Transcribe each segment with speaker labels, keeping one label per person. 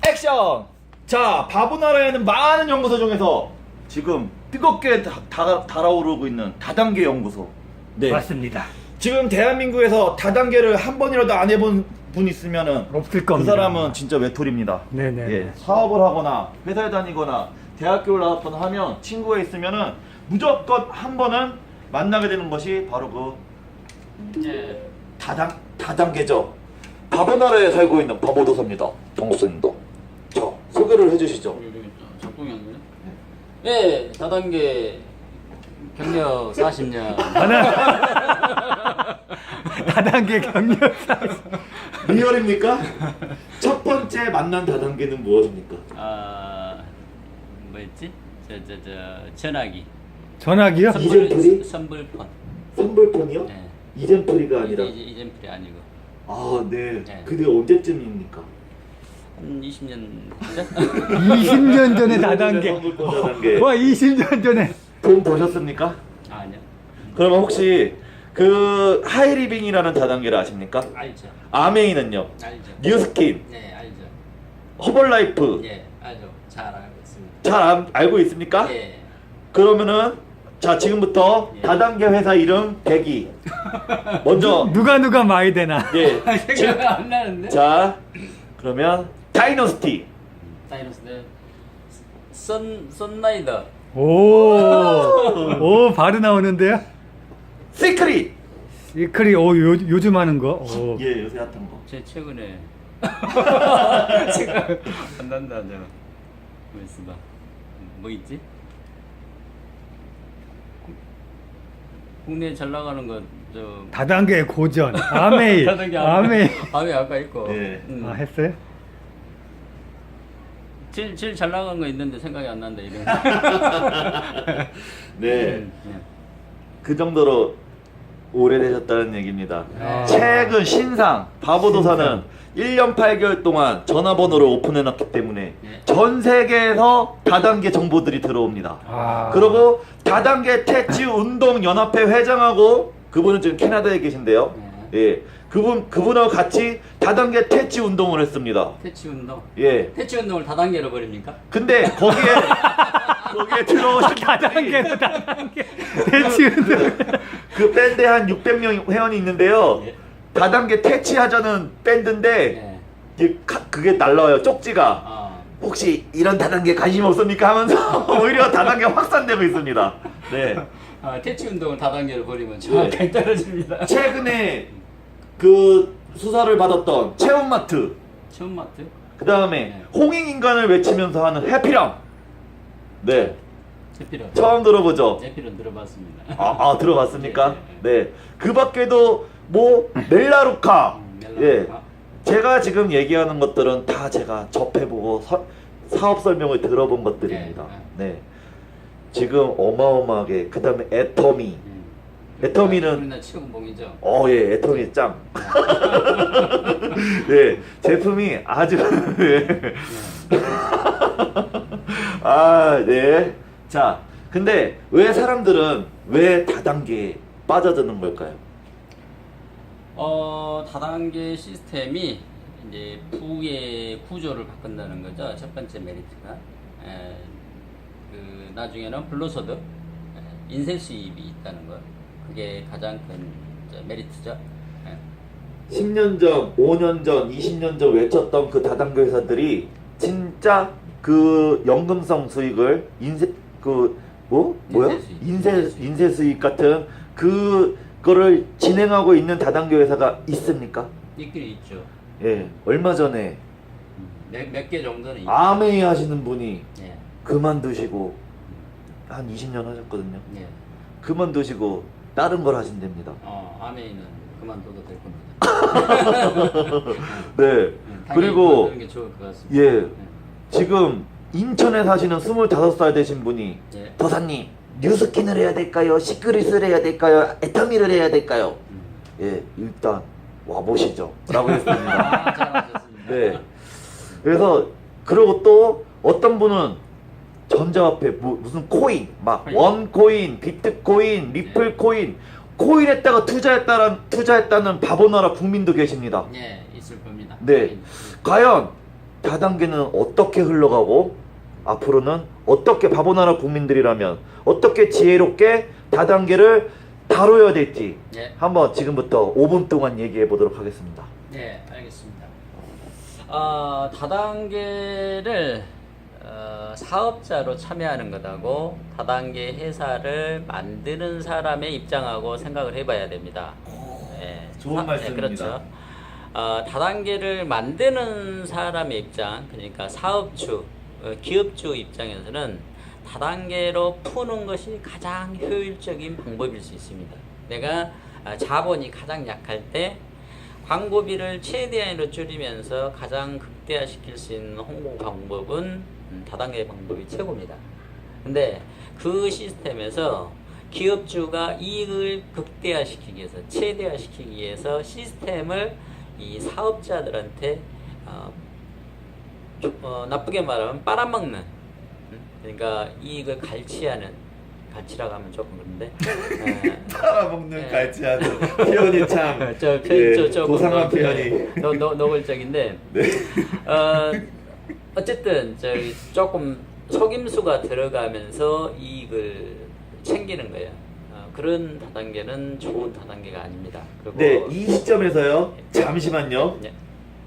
Speaker 1: 액션! 자, 바보나라에는 많은 연구소 중에서 지금 뜨겁게 달아오르고 있는 다단계 연구소. 네.
Speaker 2: 맞습니다.
Speaker 1: 지금 대한민국에서 다단계를 한 번이라도 안 해본 분 있으면은
Speaker 2: 없을 겁니다.
Speaker 1: 그 사람은 진짜 외톨입니다.
Speaker 2: 네네.
Speaker 1: 예, 사업을 하거나 회사에 다니거나 대학교를 나왔거나 하면 친구가 있으면은 무조건 한 번은 만나게 되는 것이 바로 그 다단계죠. 바보나라에 살고 있는 바보도사입니다. 정수님도. 자, 소개를 해주시죠.
Speaker 3: 작동이 안 되네. 네, 다단계 경력 40년.
Speaker 2: 다단계 경력.
Speaker 1: 리얼입니까? 첫 번째 만난 다단계는 무엇입니까?
Speaker 3: 아, 뭐였지? 전화기.
Speaker 2: 전화기요?
Speaker 1: 이젠플이?
Speaker 3: 선불폰.
Speaker 1: 선불폰이요?
Speaker 3: 네.
Speaker 1: 이젠플이가 아니라.
Speaker 3: 이젠플이 아니고
Speaker 1: 아, 네.
Speaker 3: 네.
Speaker 1: 그게 언제쯤입니까?
Speaker 3: 한 20년 전?
Speaker 2: 20년 전에 다단계.
Speaker 1: 선불폰 다단계.
Speaker 2: 와, 20년 전에.
Speaker 1: 돈 버셨습니까?
Speaker 3: 아니요.
Speaker 1: 그러면 혹시 그 하이리빙이라는 다단계를 아십니까?
Speaker 3: 알죠.
Speaker 1: 아메이는요?
Speaker 3: 알죠.
Speaker 1: 뉴스킨,
Speaker 3: 네, 알죠.
Speaker 1: 허벌라이프
Speaker 3: 예, 알죠. 잘 알고 있습니다.
Speaker 1: 잘 알고 있습니까?
Speaker 3: 예.
Speaker 1: 그러면은 자, 지금부터
Speaker 3: 예.
Speaker 1: 다단계 회사 이름 대기. 먼저
Speaker 2: 누가 많이 되나?
Speaker 1: 예.
Speaker 3: 생각 안 나는데?
Speaker 1: 자, 그러면 다이너스티,
Speaker 3: 다이노스 선라이더.
Speaker 2: 오, 바로 나오는데요?
Speaker 1: 시크릿.
Speaker 2: 시크릿, 요즘 하는 거. 오.
Speaker 1: 예, 요새 핫한 거.
Speaker 3: 제 최근에 생각 안 난다. 뭐 있어 봐. 뭐 있지? 국내에 잘 나가는 거
Speaker 2: 다단계 고전. 아메이.
Speaker 3: 다단계
Speaker 2: 아메이.
Speaker 3: 아메 아까 있고.
Speaker 1: 예.
Speaker 2: 아, 했어요?
Speaker 3: 제일 잘 나간 거 있는데 생각이 안 난다 이런.
Speaker 1: 네. 그 정도로 오래되셨다는 얘기입니다.
Speaker 2: 아.
Speaker 1: 최근 신상 바보도사는 1년 8개월 동안 전화번호를 오픈해놨기 때문에
Speaker 3: 네.
Speaker 1: 전 세계에서 다단계 정보들이 들어옵니다.
Speaker 2: 아.
Speaker 1: 그리고 다단계 태치 운동 연합회 회장하고 그분은 지금 캐나다에 계신데요. 예, 그분하고 같이 다단계 태치 운동을 했습니다.
Speaker 3: 퇴치 운동.
Speaker 1: 예.
Speaker 3: 퇴치 운동을 다단계로 버립니까?
Speaker 1: 근데 거기에 들어오신
Speaker 2: 다단계로 다단계. 대치운동.
Speaker 1: 그 밴드에 한 600명 회원이 있는데요.
Speaker 3: 예.
Speaker 1: 다단계 퇴치하자는 밴드인데
Speaker 3: 예.
Speaker 1: 그게 날라와요. 쪽지가.
Speaker 3: 아.
Speaker 1: 혹시 이런 다단계 관심 없습니까? 하면서 오히려 다단계 확산되고 있습니다. 네.
Speaker 3: 아, 퇴치 운동을 다단계로 버리면 정확하게 떨어집니다.
Speaker 1: 최근에 그 수사를 받았던 체험마트,
Speaker 3: 처음 마트?
Speaker 1: 그 다음에 홍익인간을 외치면서 하는 해피랑. 네.
Speaker 3: 제피런.
Speaker 1: 처음 들어보죠?
Speaker 3: 제피런 들어봤습니다.
Speaker 1: 들어봤습니까?
Speaker 3: 예,
Speaker 1: 네. 그 밖에도 뭐 멜라루카. 예.
Speaker 3: 멜라루카.
Speaker 1: 제가 지금 얘기하는 것들은 다 제가 접해보고 사업 설명을 들어본 것들입니다. 네. 지금 어마어마하게 그 다음에 애터미. 애터미는
Speaker 3: 우리나라 치공봉이죠.
Speaker 1: 예, 애터미 짱. 네, 제품이 아주 네. 자, 근데 왜 사람들은 왜 다단계에 빠져드는 걸까요?
Speaker 3: 다단계 시스템이 이제 부의 구조를 바꾼다는 거죠. 첫 번째 메리트가. 그 나중에는 불로소득, 인쇄 수입이 있다는 것. 그게 가장 큰 이제 메리트죠.
Speaker 1: 10년 전, 5년 전, 20년 전 외쳤던 그 다단계 회사들이 진짜 그 연금성 수익을 인쇄 수익 같은 그거를 진행하고 있는 다단계 회사가 있습니까?
Speaker 3: 있긴 있죠.
Speaker 1: 예, 얼마 전에
Speaker 3: 몇 개 정도는 있죠.
Speaker 1: 아메이 하시는 분이
Speaker 3: 예.
Speaker 1: 그만두시고 한 20년 하셨거든요.
Speaker 3: 예.
Speaker 1: 그만두시고 다른 걸 하신답니다.
Speaker 3: 아메이는 그만둬도 될 겁니다.
Speaker 1: 네.
Speaker 3: 당연히
Speaker 1: 그리고
Speaker 3: 그만두는 게 좋을 것 같습니다.
Speaker 1: 예, 지금 인천에 사시는 25살 되신 분이
Speaker 3: 예.
Speaker 1: 도사님 뉴스킨을 해야 될까요? 시크릿을 해야 될까요? 애터미를 해야 될까요? 예, 일단 와보시죠 라고 했습니다.
Speaker 3: 잘하셨습니다.
Speaker 1: 네. 그래서 그리고 또 어떤 분은 전자화폐 무슨 코인 막 원코인, 비트코인, 리플코인 코인에다가 투자했다는 바보나라 국민도 계십니다.
Speaker 3: 예, 있을 겁니다.
Speaker 1: 네. 과연 다단계는 어떻게 흘러가고 앞으로는 어떻게 바보나라 국민들이라면 어떻게 지혜롭게 다단계를 다뤄야 될지
Speaker 3: 예.
Speaker 1: 한번 지금부터 5분 동안 얘기해 보도록 하겠습니다.
Speaker 3: 네, 알겠습니다. 다단계를 사업자로 참여하는 것하고 다단계 회사를 만드는 사람의 입장하고 생각을 해봐야 됩니다. 네,
Speaker 1: 좋은 말씀입니다.
Speaker 3: 그렇죠. 다단계를 만드는 사람의 입장, 그러니까 사업주, 기업주 입장에서는 다단계로 푸는 것이 가장 효율적인 방법일 수 있습니다. 내가 자본이 가장 약할 때 광고비를 최대한으로 줄이면서 가장 극대화시킬 수 있는 홍보 방법은 다단계 방법이 최고입니다. 근데 그 시스템에서 기업주가 이익을 극대화시키기 위해서, 최대화시키기 위해서 시스템을 이 사업자들한테 나쁘게 말하면 빨아먹는, 그러니까 이익을 갈치라고 하면 조금 그런데
Speaker 1: 빨아먹는
Speaker 3: 예.
Speaker 1: 갈치하는 표현이 참
Speaker 3: 저 조금
Speaker 1: 고상한 표현이
Speaker 3: 노골적인데
Speaker 1: 네.
Speaker 3: 어쨌든 조금 속임수가 들어가면서 이익을 챙기는 거예요. 그런 다단계는 좋은 다단계가 아닙니다. 그리고
Speaker 1: 네, 이 시점에서요. 잠시만요.
Speaker 3: 예.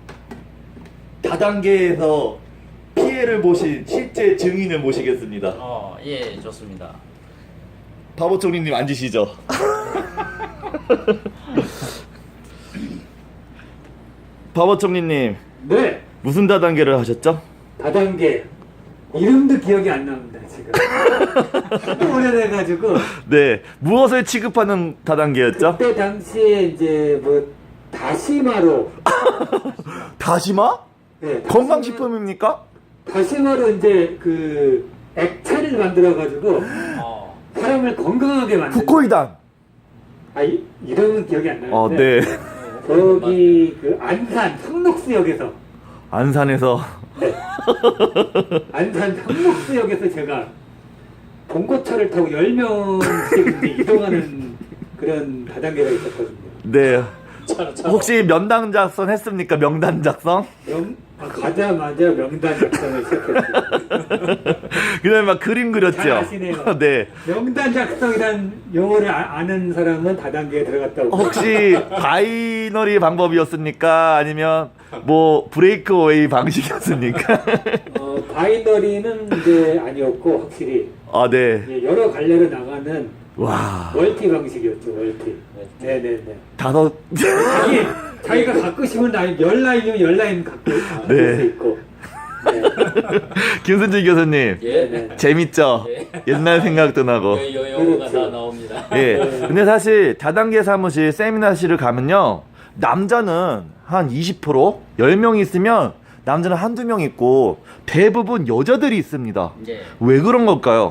Speaker 1: 다단계에서 피해를 보신 실제 증인을 모시겠습니다.
Speaker 3: 예, 좋습니다.
Speaker 1: 바보총리님 앉으시죠. 바보총리님
Speaker 4: 네,
Speaker 1: 무슨 다단계를 하셨죠?
Speaker 4: 다단계 이름도 기억이 안 납니다 지금. 하도 오래돼가지고
Speaker 1: 네, 무엇을 취급하는 다단계였죠?
Speaker 4: 그때 당시에 이제 뭐 다시마로
Speaker 1: 다시마?
Speaker 4: 네,
Speaker 1: 건강식품입니까?
Speaker 4: 다시마로 이제 그 액체를 만들어가지고 사람을 건강하게 만든.
Speaker 1: 후코이단.
Speaker 4: 이름은 기억이 안
Speaker 1: 네.
Speaker 4: 나는데. 저기 그 안산 상록수역에서
Speaker 1: 안산에서
Speaker 4: 안산 상록수역에서 제가 봉고차를 타고 10명씩 이제 이동하는 그런 다단계가 있었거든요.
Speaker 1: 네. 혹시 명단 작성 했습니까? 명단 작성?
Speaker 4: 가자마자 명단 작성을 시작했어요.
Speaker 1: 그다음에 막 그림 그렸죠.
Speaker 4: 잘 아시네요.
Speaker 1: 네.
Speaker 4: 명단 작성이란 용어를 아는 사람은 다단계에 들어갔다고.
Speaker 1: 혹시 바이너리 방법이었습니까? 아니면 뭐 브레이크웨이 방식이었습니까?
Speaker 4: 바이너리는 이제 아니었고 확실히
Speaker 1: 아, 네.
Speaker 4: 예, 여러 갈래로 나가는
Speaker 1: 와.
Speaker 4: 멀티 방식이었죠. 멀티. 네네네.
Speaker 1: 다섯.
Speaker 4: 자기가 갖고 싶은 라인 10라인이면 10라인 갖고
Speaker 1: 네.
Speaker 4: 수 있고. 네.
Speaker 1: 김순진 교수님.
Speaker 3: 예.
Speaker 1: 재밌죠?
Speaker 3: 예.
Speaker 1: 옛날 생각도 나고.
Speaker 3: 요거가 다 나옵니다.
Speaker 1: 예. 근데 사실 다단계 사무실 세미나실을 가면요. 남자는 한 20%, 10명 있으면 남자는 한두 명 있고 대부분 여자들이 있습니다.
Speaker 3: 예.
Speaker 1: 왜 그런 걸까요?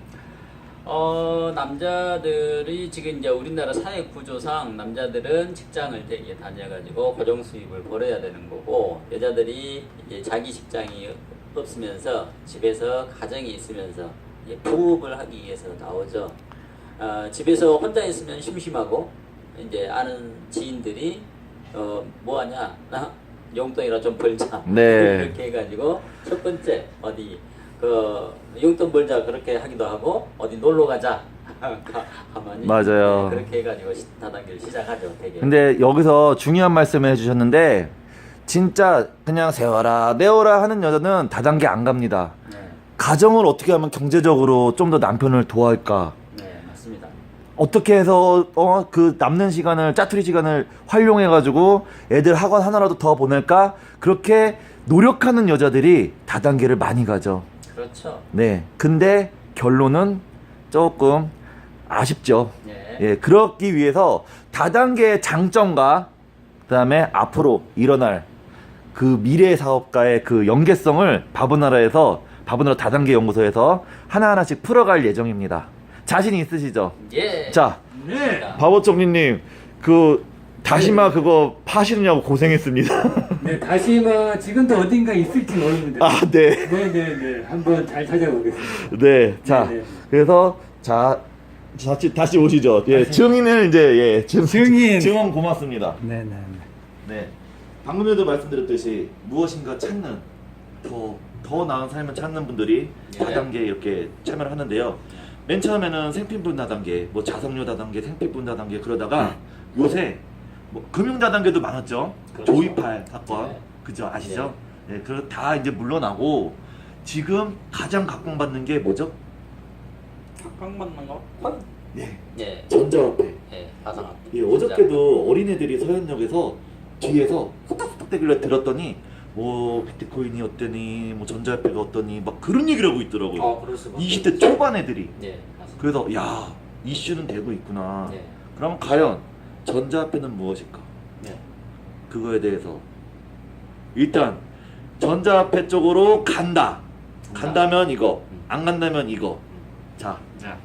Speaker 3: 남자들이 지금 이제 우리나라 사회 구조상 남자들은 직장을 되게 다녀가지고 고정 수입을 벌어야 되는 거고, 여자들이 이제 자기 직장이 없으면서 집에서 가정이 있으면서 이제 부업을 하기 위해서 나오죠. 집에서 혼자 있으면 심심하고 이제 아는 지인들이 뭐 하냐, 나 용돈이라 좀 벌자.
Speaker 1: 네.
Speaker 3: 이렇게 해가지고 첫 번째 어디 용돈 벌자 그렇게 하기도 하고, 어디 놀러 가자 가만히.
Speaker 1: 맞아요.
Speaker 3: 네, 그렇게 해가지고 다단계를 시작하죠. 되게.
Speaker 1: 근데 여기서 중요한 말씀을 해주셨는데 진짜 그냥 세워라 내워라 하는 여자는 다단계 안 갑니다.
Speaker 3: 네,
Speaker 1: 가정을 어떻게 하면 경제적으로 좀 더 남편을 도와할까,
Speaker 3: 네, 맞습니다.
Speaker 1: 어떻게 해서 그 남는 시간을, 짜투리 시간을 활용해 가지고 애들 학원 하나라도 더 보낼까, 그렇게 노력하는 여자들이 다단계를 많이 가죠.
Speaker 3: 그렇죠.
Speaker 1: 네. 근데 결론은 조금 아쉽죠.
Speaker 3: 네.
Speaker 1: 예, 그렇기 위해서 다단계의 장점과 그다음에 앞으로 일어날 그 미래 사업가의 그 연계성을 바보나라 다단계 연구소에서 하나하나씩 풀어갈 예정입니다. 자신 있으시죠?
Speaker 3: 예.
Speaker 1: 자,
Speaker 4: 네.
Speaker 1: 바보총리님 그 다시마 그거 파시느냐고 고생했습니다.
Speaker 4: 네, 다시마 지금도 어딘가 있을지 모릅니다.
Speaker 1: 아, 네.
Speaker 4: 네네네. 한번 잘 찾아보겠습니다.
Speaker 1: 네. 자,
Speaker 4: 네네.
Speaker 1: 그래서 다시 오시죠. 예, 증인을 이제
Speaker 2: 증인.
Speaker 1: 증언 고맙습니다.
Speaker 2: 네네.
Speaker 1: 네. 방금 전에도 말씀드렸듯이 무엇인가 찾는 더 나은 삶을 찾는 분들이
Speaker 3: 예.
Speaker 1: 다단계 이렇게 참여를 하는데요. 맨 처음에는 생필품 다단계, 뭐 자석료 다단계, 생필품 다단계 그러다가 요새 뭐 금융 다단계도 많았죠.
Speaker 3: 그렇죠.
Speaker 1: 조이팔 사건,
Speaker 3: 네.
Speaker 1: 그죠? 아시죠? 네, 다 이제 물러나고 지금 가장 각광받는 게 뭐죠?
Speaker 3: 각광받는 거?
Speaker 1: 네,
Speaker 3: 예,
Speaker 1: 전자화폐.
Speaker 3: 예, 가상화폐.
Speaker 1: 예, 어저께도 어린애들이 서현역에서 뒤에서 후딱후딱 대길래 들었더니 뭐 비트코인이 어떠니 뭐 전자화폐가 어떠니 막 그런 얘기를 하고 있더라고요.
Speaker 3: 그럴 수밖에
Speaker 1: 20대 초반 애들이.
Speaker 3: 예, 맞습니다.
Speaker 1: 그래서 야 이슈는 되고 있구나.
Speaker 3: 예,
Speaker 1: 그럼 과연 전자화폐는 무엇일까?
Speaker 3: 예.
Speaker 1: 그거에 대해서 일단 전자화폐 쪽으로 간다. 간다면 이거, 안 간다면 이거. 자,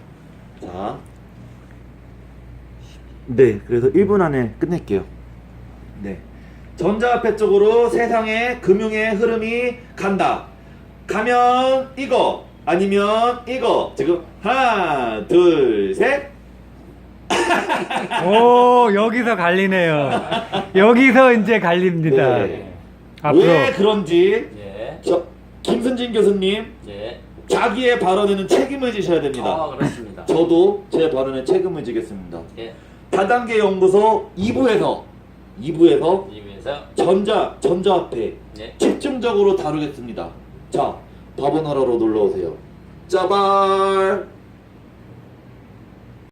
Speaker 1: 네, 그래서 1분 안에 끝낼게요. 네, 전자화폐 쪽으로 세상의 금융의 흐름이 간다. 가면 이거, 아니면 이거. 지금 하나, 둘, 셋.
Speaker 2: 오, 여기서 갈리네요. 여기서 이제 갈립니다.
Speaker 1: 네.
Speaker 2: 앞으로.
Speaker 1: 왜 그런지
Speaker 3: 예,
Speaker 1: 저 김순진 교수님
Speaker 3: 예.
Speaker 1: 자기의 발언에는 책임을 지셔야 됩니다.
Speaker 3: 그렇습니다.
Speaker 1: 저도 제 발언에 책임을 지겠습니다.
Speaker 3: 예,
Speaker 1: 다단계 연구소 2부에서
Speaker 3: 이위에서
Speaker 1: 전자화폐
Speaker 3: 예.
Speaker 1: 집중적으로 다루겠습니다. 자, 밥원하러로 놀러 오세요. 짜발.